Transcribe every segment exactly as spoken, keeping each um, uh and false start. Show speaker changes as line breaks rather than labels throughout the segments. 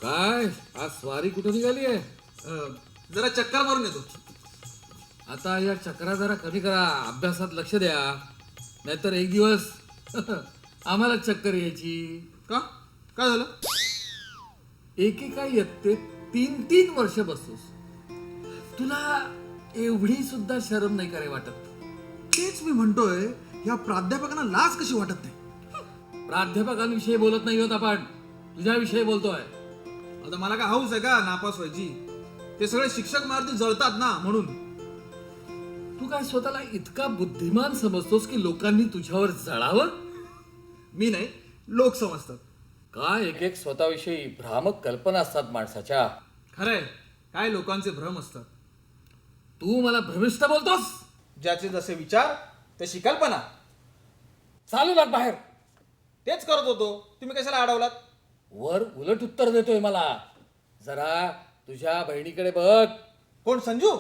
काय आज स्वारी कुठं निघाली आहे?
अं, जरा चक्कर मारून येतो.
आता या चक्रा जरा कमी करा, अभ्यासात लक्ष द्या, नाहीतर एक दिवस आम्हाला चक्कर यायची.
का काय झालं?
एकेका इयत्तेत तीन तीन वर्ष बसतोस, तुला एवढी सुद्धा शरम नाही करे वाटत?
तेच मी म्हणतोय, या प्राध्यापकांना लाज कशी वाटत नाही?
प्राध्यापकांविषयी बोलत नाही होत आपण, तुझ्याविषयी बोलतोय.
आता मला काय हाऊस आहे का नापास व्हायची? ते सगळे शिक्षक मारती जळतात ना, म्हणून.
तू काय स्वतःला इतका बुद्धिमान समजतोस की लोकांनी तुझ्यावर जळावं?
मी नाही, लोक समजतात.
काय एक एक स्वतःविषयी भ्रामक कल्पना असतात माणसाच्या.
खरंय, काय लोकांचे भ्रम असतात.
तू मला भ्रमिष्ठ बोलतोस?
ज्याचे जसे विचार तशी कल्पना.
चालू लाग बाहेर.
तेच करत होतो, तुम्ही कशाला अडवलात?
वर उलट उत्तर देतोय मला. जरा तुझ्या बहिणीकडे बघ.
कोण, संजू?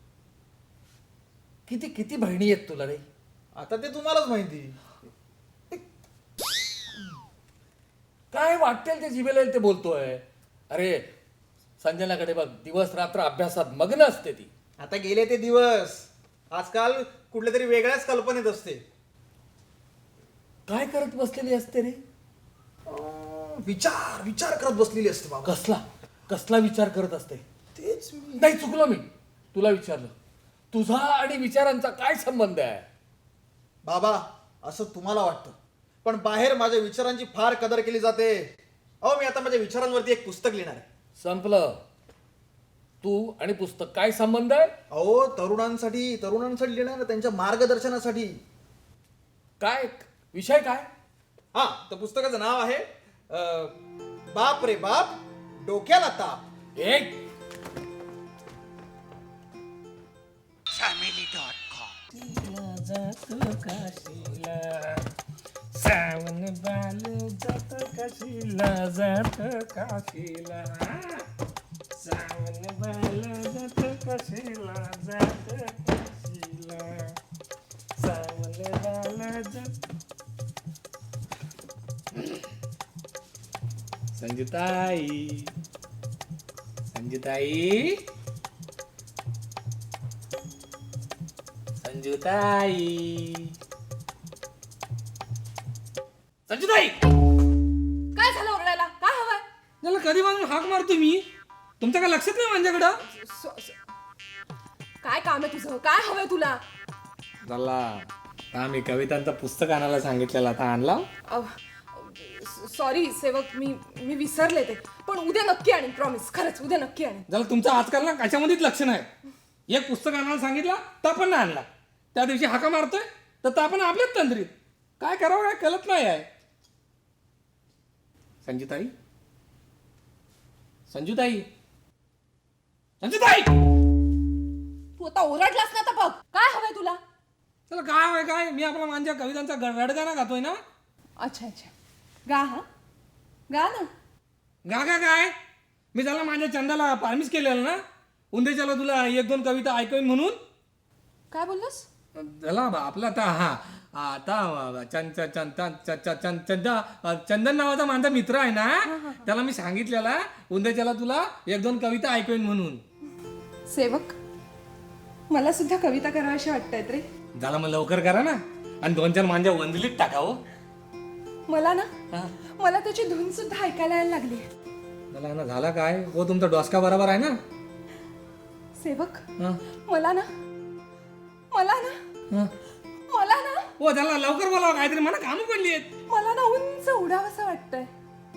किती किती बहिणी आहेत तुला रे?
आता ते तुम्हालाच माहिती.
काय वाटेल ते जिभेला येईल ते बोलतोय. अरे संजनाकडे बघ, दिवस रात्र अभ्यासात मग्न असते ती.
आता गेले ते दिवस. आजकाल कुठल्या तरी वेगळ्याच कल्पनेत असते.
काय करत बसलेली असते रे?
अं, विचार विचार करत बसलेली असते बाबा.
कसला कसला विचार करत असते?
तेच मी.
नाही, चुकलो मी. तुला विचारलं, तुझा आणि विचारांचा काय संबंध आहे?
बाबा, असं तुम्हाला वाटतं, पण बाहेर माझ्या विचारांची फार कदर केली जाते. अहो, मी आता माझ्या विचारांवरती एक पुस्तक लिहिणार आहे.
संपलं. तू आणि पुस्तक काय संबंध आहे?
अहो, तरुणांसाठी तरुणांसाठी लिहिणार आहे, त्यांच्या मार्गदर्शनासाठी.
काय विषय काय?
हा, तर पुस्तकाचं नाव आहे अं, बाप रे बाप, डोक्याला ताप.
एक
फॅमिली डॉट कॉम. सावन बाल जात काशीला, जात काशीला. सावन बाल जात काशीला, जात काशीला. सावन बाल जात. संजुताई, संजुताई, संजुताई, संजुताई.
काय झालं ओरडायला? काय हवंय?
त्याला कधी म्हणून हाक मारतो मी, तुमच्या काय लक्षात नाही माझ्याकडं?
स- स- काय काम आहे तुझं? काय हवंय तुला?
झाला हा, मी कवितांचं पुस्तक आणायला सांगितलेलं, आता आणला.
सॉरी सेवक, मी मी विसरले ते, पण उद्या नक्की आणीन, प्रॉमिस. खरंच उद्या नक्की आणीन.
झालं तुमचं आजकाल ना कशामध्येच लक्ष नाही. एक पुस्तक आणायला सांगितलं तर पण नाही आणला, त्या दिवशी हाका मारतोय तर आपण आपल्याच तंद्रीत. काय करावं काय कळत नाही आहे. संजुताई, संजुताई, संजुताई.
तू आता ओरडलास ना, तर बघ काय हवंय तुला.
चला काय हवंय काय? मी आपला माझ्या कवितांचा गडगाणा गातोय ना.
अच्छा अच्छा, गा. हा गा ना.
गा गा काय? मी त्याला माझ्या चंदाला पारमिस केलेलं ना, उंदेच्याला तुला एक दोन कविता ऐकवीन म्हणून.
काय बोललास?
झाला आपला आता हा आता चंद चंद चंद चंद चंदन नावाचा माझा मित्र आहे ना, त्याला मी सांगितलेला उंदेच्याला तुला एक दोन कविता ऐकवीन म्हणून.
सेवक, मला सुद्धा कविता करावीशी वाटतायत रे.
झाला मग लवकर करा ना, आणि दोन चार माझ्या वंदलीत टाकावं.
मला ना मला त्याची धून सुद्धा ऐकायला यायला लागली.
झाला ना, झाला काय हो, तुमचा डोसका बरोबर आहे ना
सेवक? मला ना मला ना मला ना
हो, झाला लवकर बोलावं, काहीतरी मला कामं पडली आहेत.
मला ना उंच उडावंसं वाटतंय.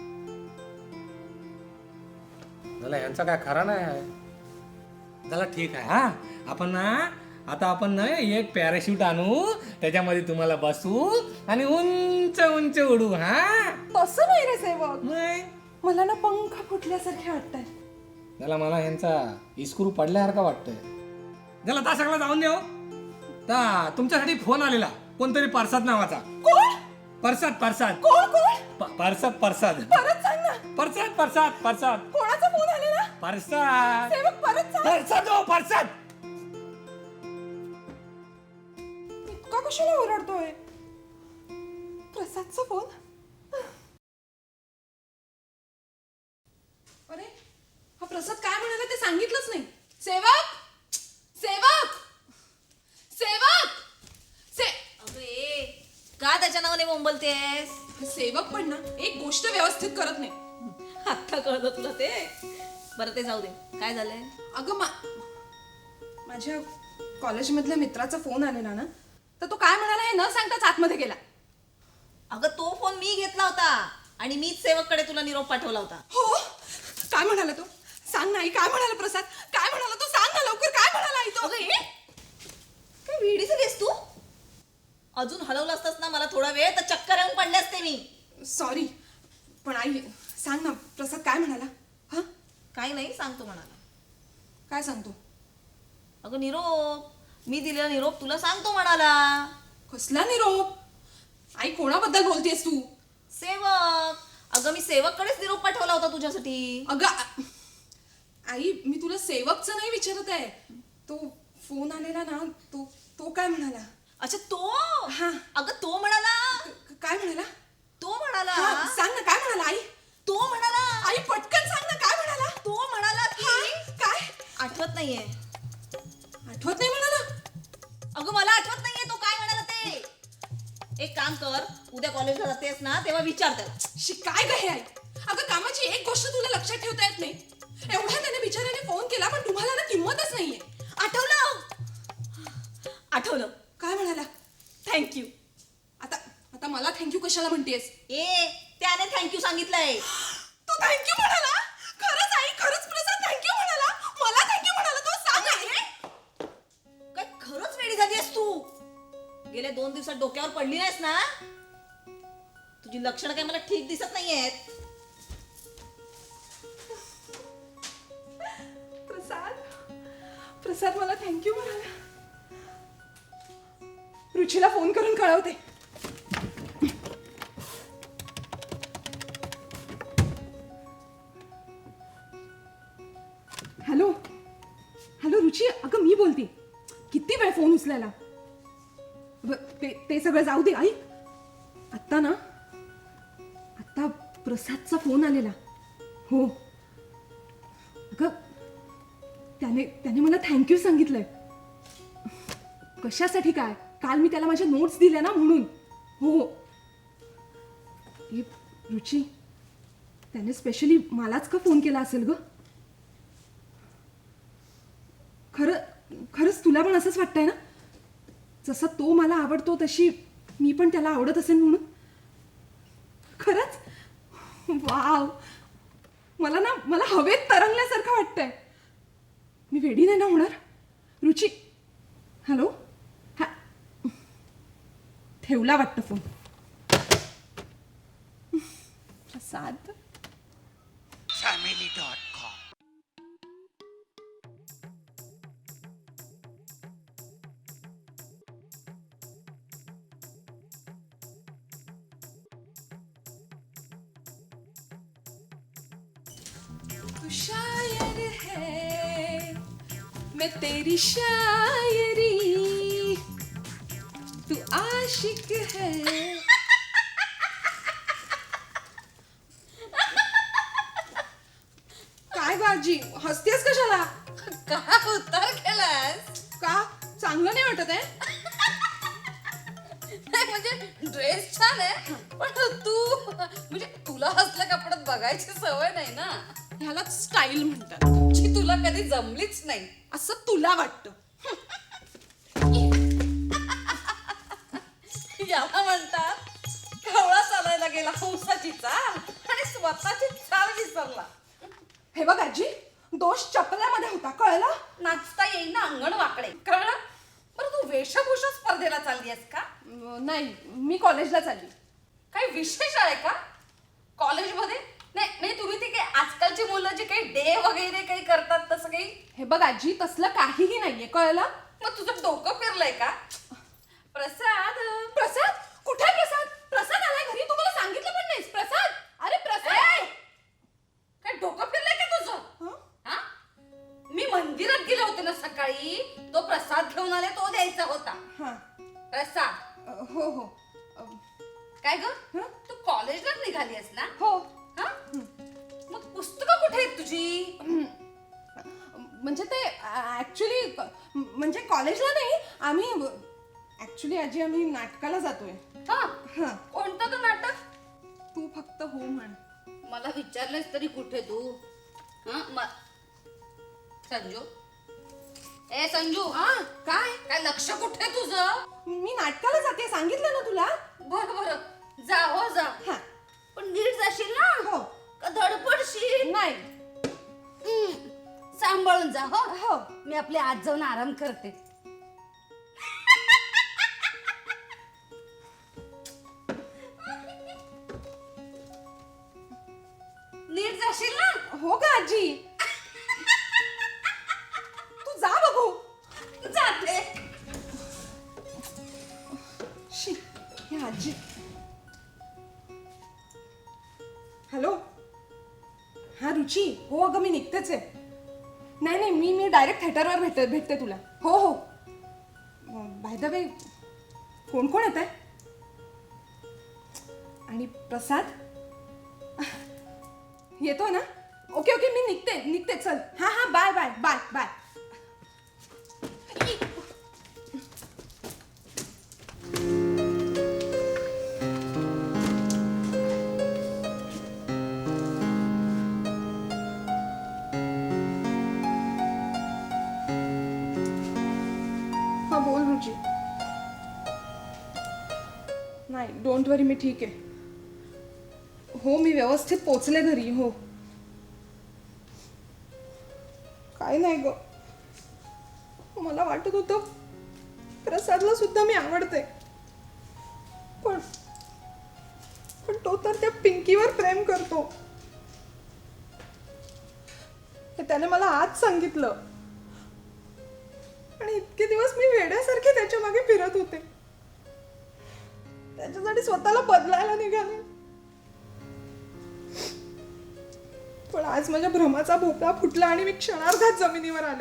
झाला यांचा काय खरा नाही आहे. झाला ठीक आहे, हा आपण ना आता आपण ना एक पॅराशूट आणू, त्याच्यामध्ये तुम्हाला बसू आणि उंच उंच उडू. हा
तसं नाही रे सेवक,
नाही
मला ना पंख फुटल्यासारखे वाटतंय.
त्याला मला यांचा इस्क्रू पडल्यासारखा वाटतंय. झाला ता सगळं जाऊन देऊ. ता तुमच्यासाठी फोन आलेला, कोणतरी परसाद नावाचा.
कोण?
परसाद परसाद
कोण कोण?
प- परसाद परसाद
परत सांग ना.
परसाद परसाद परसाद
कोणाचा फोन आलेला?
परसाद
सेवक परत सांग.
परसाद हो परसाद.
इतका कशाला ओरडतोय? प्रसादचा फोन. अरे सांगितलंच नाही. सेवक सेवक सेवक से
अगं ए का त्याच्या नावाने बोंबलतेस?
सेवक पण ना एक गोष्ट व्यवस्थित करत नाही.
आत्ता कळलं तुला ते? बरं ते जाऊ दे, काय झालंय?
अगं मा माझ्या कॉलेजमधल्या मित्राचा फोन आलेला ना, तर तो काय म्हणाला हे न सांगताच आतमध्ये गेला.
अगं तो फोन मी घेतला होता आणि मीच सेवककडे तुला निरोप पाठवला होता.
हो, काय म्हणाला तो? सांग नाही, काय म्हणाला प्रसाद? काय म्हणाला तो? सांग ना लवकर, काय म्हणाला आई तो?
अगं हे काय वेडी झालीस तू? अजून हलवलं असतास ना मला थोडा वेळ तर चक्कर येऊन पडले असते मी.
सॉरी, पण आई सांग ना प्रसाद काय म्हणाला? हा,
काही नाही सांगतो म्हणाला.
काय सांगतो?
अगं निरोप मी दिलेला निरोप तुला सांगतो म्हणाला.
कसला निरोप? आई कोणाबद्दल बोलतेस तू?
सेवक. अगं मी सेवककडेच निरोप पाठवला होता तुझ्यासाठी.
अगं आ- आई मी तुला सेवकचं नाही विचारत आहे. तो फोन आलेला ना, तो तो काय म्हणाला?
अच्छा तो
हा.
अगं तो म्हणाला
क- काय म्हणाला?
तो म्हणाला
हा, सांग ना काय म्हणाला आई?
तो म्हणाला
आई पटकन सांग ना काय म्हणाला?
तो म्हणाला की
हा, काय?
आठवत नाहीये.
आठवत नाही म्हणाला?
अगं मला आठवत नाहीये तो काय म्हणाला ते. एक काम कर, उद्या कॉलेजला जातेस ना तेव्हा विचार त्याला.
शी काय ग हे आई? अगं कामाची एक गोष्ट तुला लक्षात ठेवता येत नाही. एवढ्या त्याने बिचाऱ्याने फोन केला पण तुम्हाला ना किंमतच नाहीये.
आठवलं आठवलं
काय म्हणाला?
थँक्यू.
आता आता मला थँक्यू कशाला म्हणतेस?
ए त्याने थँक्यू सांगितलंय.
तो थँक्यू म्हणाला? खरंच आई, खरंच प्रसाद थँक्यू म्हणाला? मला थँक्यू म्हणाला तो? सांग आई.
काय खरंच वेडी झालीस तू? गेल्या दोन दिवसात डोक्यावर पडली नाहीस ना? तुझी लक्षणं काय मला ठीक दिसत नाहीयेत.
प्रसाद प्रसाद मला थँक्यू म्हणाला. रुचीला फोन करून कळवते. हॅलो हॅलो रुची, अगं मी बोलते. किती वेळ फोन उचलायला? ब- ते ते सगळं जाऊ दे. ऐक, आत्ता ना आत्ता प्रसादचा फोन आलेला. हो अगं त्याने त्याने मला थँक्यू सांगितलंय. कशासाठी काय? काल मी त्याला माझ्या नोट्स दिल्या ना म्हणून. हो हे रुची, त्याने स्पेशली मलाच का फोन केला असेल ग? खरं खरंच तुला पण असंच वाटतंय ना? जसं तो मला आवडतो तशी मी पण त्याला आवडत असेल म्हणून? खरंच? वाव, मला ना मला हवेत तरंगल्यासारखं वाटतंय. मी वेडी नाही ना होणार? रुची, हॅलो. हा, ठेवला वाटतं phone. Prasad.
family dot com
तू शायर है, मैं तेरी शायरी, तू आशिक है. काय बाजी हसतेस कशाला?
का उतार केलास?
का चांगलं नाही वाटत आहे?
नाही म्हणजे ड्रेस छान आहे पण तू म्हणजे तुला असल्या कपड्यात बघायची सवय नाही ना.
ह्याला स्टाईल म्हणतात.
जी तुला कधी जमलीच नाही
असं तुला वाटतं.
याला म्हणतात कवळा चालायला गेला हंसाची चाल आणि स्वतःची चाल विसरला.
हे बघ आजी, दोष चपल्यामध्ये होता, कळलं?
नाचता येईल ना अंगण वाकडे, कळलं? बरं तू वेशभूषा स्पर्धेला चालली आहेस का?
अं, नाही, मी कॉलेजला चालली.
काही विशेष आहे का कॉलेजमध्ये? नाही नाही तुम्ही ते काही आजकालची मुलं जे काही डे वगैरे काही करतात तसं काही?
हे बघ आजी, तसलं काहीही नाहीये, कळलं?
मग तुझं डोकं फिरलंय का? प्रसाद
प्रसाद कुठे आहे? प्रसाद प्रसाद आलाय घरी, तुम्हाला सांगितलं पण नाहीस. प्रसाद, अरे प्रसाद.
काय डोकं फिरलंय का तुझं?
हं?
हा? मी मंदिरात गेले होते ना सकाळी, तो प्रसाद घेऊन आले, तो द्यायचा होता.
हां,
प्रसाद.
अं, हो हो अं,
काय ग
हं?
तू कॉलेजला निघाली आहेस ना?
हो.
हा? मग पुस्तकं कुठे आहेत तुझी?
आम्ही ऍक्च्युली आजी आम्ही नाटकाला जातोय.
हा
हा
कोणतं तो नाटक?
तू फक्त हो म्हण.
मला विचारलंस तरी कुठे तू? हा म- संजू ए संजू
हा काय?
काय लक्ष कुठे तुझं?
मी नाटकाला जाते सांगितलं ना तुला.
बर बर जा हो जा.
हा
पण नीट जाशील ना?
हो.
का धडपडशील?
नाही.
हम्म, सांभाळून जा हो.
हो.
मी आपले आज जाऊन आराम करते. नीट जाशील ना?
हो का आजी? तू जा बघू.
जाते.
शी हे आजी. हॅलो हा रुची. हो अगं मी निघतेच आहे. नाही नाही मी मी डायरेक्ट थिएटरवर भेटते भेटते तुला. हो हो बाय द वे कोण कोण येत आहे? आणि प्रसाद येतो ना? ओके ओके मी निघते निघते चल. हा हा बाय बाय बाय बाय. हा बोल रुची. नाही डोंट वरी मी ठीक आहे. हो मी व्यवस्थित पोचले घरी. हो काय नाही ग. मला वाटत होतं प्रसादला सुद्धा मी आवडते पण पण तो तर त्या पिंकीवर प्रेम करतो हे त्याने मला आज सांगितलं. आणि इतके दिवस मी वेड्यासारखे त्याच्या मागे फिरत होते. त्याच्यासाठी स्वतःला बदलायला निघाले. पण आज माझ्या भ्रमाचा भोपळा फुटला आणि मी क्षणार्धात जमिनीवर आले.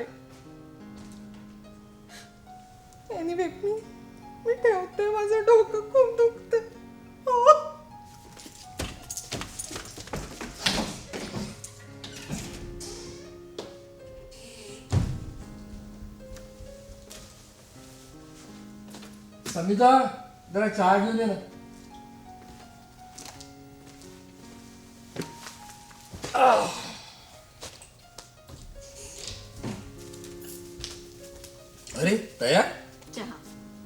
एनिवे मी मी ठेवते. माझं डोकं खूप दुखते. हो.
समिता जरा चहा घेऊन ये ना. अरे तयार?
चहा.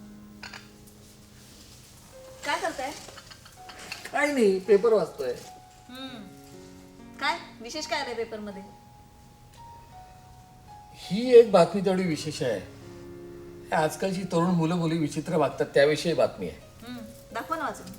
काय करताय?
काय नाही पेपर वाचतोय.
काय विशेष काय आलंय पेपर मध्ये?
ही एक बातमी तेवढी विशेष आहे. आजकालची तरुण मुलं मुली विचित्र वागतात त्याविषयी बातमी आहे.
दाखवा ना वाचून.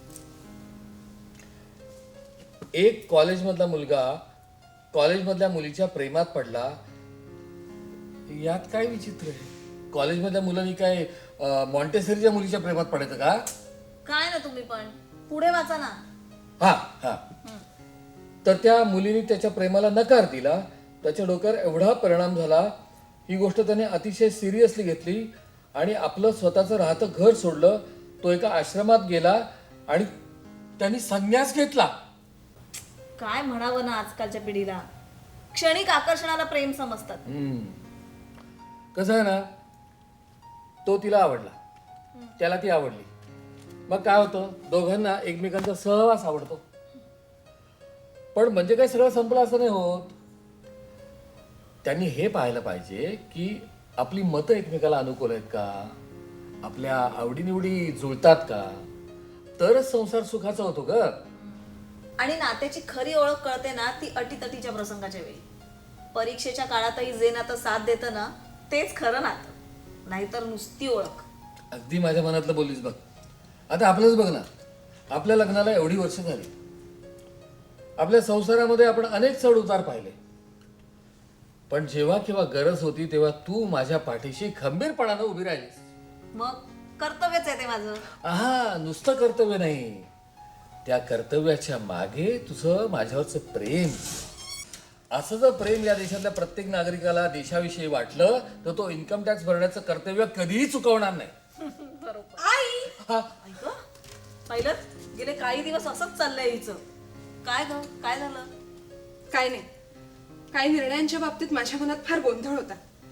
एक कॉलेजमधला मुलगा कॉलेजमधल्या मुलीच्या प्रेमात पडला. यात काय विचित्र आहे? कॉलेजमधल्या मुलांनी काय मॉन्टेसरीच्या मुलीच्या प्रेमात पडायचं का?
काय ना तुम्ही पण पुढे वाचा ना.
हा हा तर त्या मुलीने त्याच्या प्रेमाला नकार दिला. त्याच्या डोक्यावर एवढा परिणाम झाला. ही गोष्ट त्याने अतिशय सिरियसली घेतली आणि आपलं स्वतःचं राहतं घर सोडलं. तो एका आश्रमात गेला आणि त्यांनी संन्यास घेतला.
काय म्हणावं ना आजकालच्या पिढीला. क्षणिक आकर्षणाला प्रेम समजतात.
कसं आहे ना, तो तिला आवडला, त्याला ती आवडली. मग काय होतं, दोघांना एकमेकांचा सहवास आवडतो. पण म्हणजे काय सगळं संपलं असं नाही होत. त्यांनी हे पाहायला पाहिजे की आपली मतं एकमेकाला अनुकूल आहेत का, आपल्या आवडीनिवडी जुळतात का, तरच संसार सुखाचा होतो ग.
आणि नात्याची खरी ओळख कळते ना ती अटीतटीच्या प्रसंगाच्या वेळी. परीक्षेच्या काळातही जे नातं साथ देतं ना तेच खरं नातं, नाहीतर नुसती ओळख.
अगदी माझ्या मनातलं बोललीस बघ. आता आपलंच बघ ना, आपल्या लग्नाला एवढी वर्ष झाली. आपल्या संसारामध्ये आपण अनेक चढ उतार पाहिले. पण जेव्हा केव्हा गरज होती तेव्हा तू माझ्या पाठीशी खंबीरपणानं उभी राहिलीस.
मग कर्तव्यच आहे ते माझं.
हा, नुसतं कर्तव्य नाही, त्या कर्तव्याच्या मागे तुझं माझ्यावरचं प्रेम. असं जर प्रेम या देशातल्या प्रत्येक नागरिकाला देशाविषयी वाटलं तर तो इन्कम टॅक्स भरण्याचं कर्तव्य कधीही चुकवणार नाही.
आई
हा,
ऐक पाहिलं, गेले काही दिवस असंच चाललंय हिचं. काय ग, काय झालं?
काय नाही, काही निर्णयांच्या बाबतीत माझ्या मनात फार गोंधळ होता.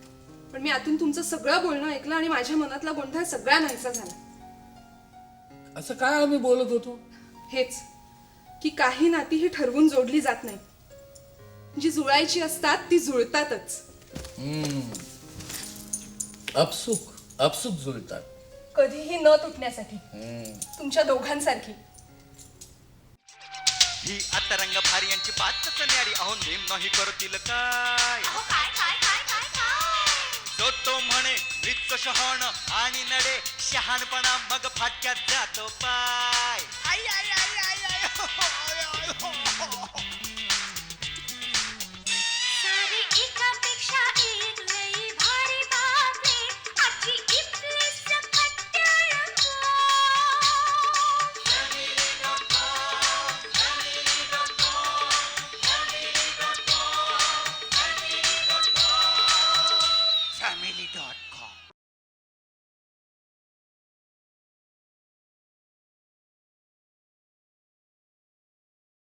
पण मी आतून तुमचं सगळं बोलणं ऐकलं आणि माझ्या मनातला गोंधळ सगळा नाहीसा झाला.
असं काय आम्ही बोलत होतो?
हेच की काही नाती ही ठरवून जोडली जात नाही, जी जुळायची असतात ती जुळतातच.
अपसुक अपसुक जुळतात.
कधीही न तुटण्यासाठी, तुमच्या दोघांसारखी.
ही आता रंग भारी यांची बातच न्यारी अहो नेम नाही करतील काय तो तो म्हणे मृत्यू शहाण आणि नडे शहाणपणा मग फाटक्यात जातो पाय आई आई आई आई आई हो, हो, हो, हो, हो.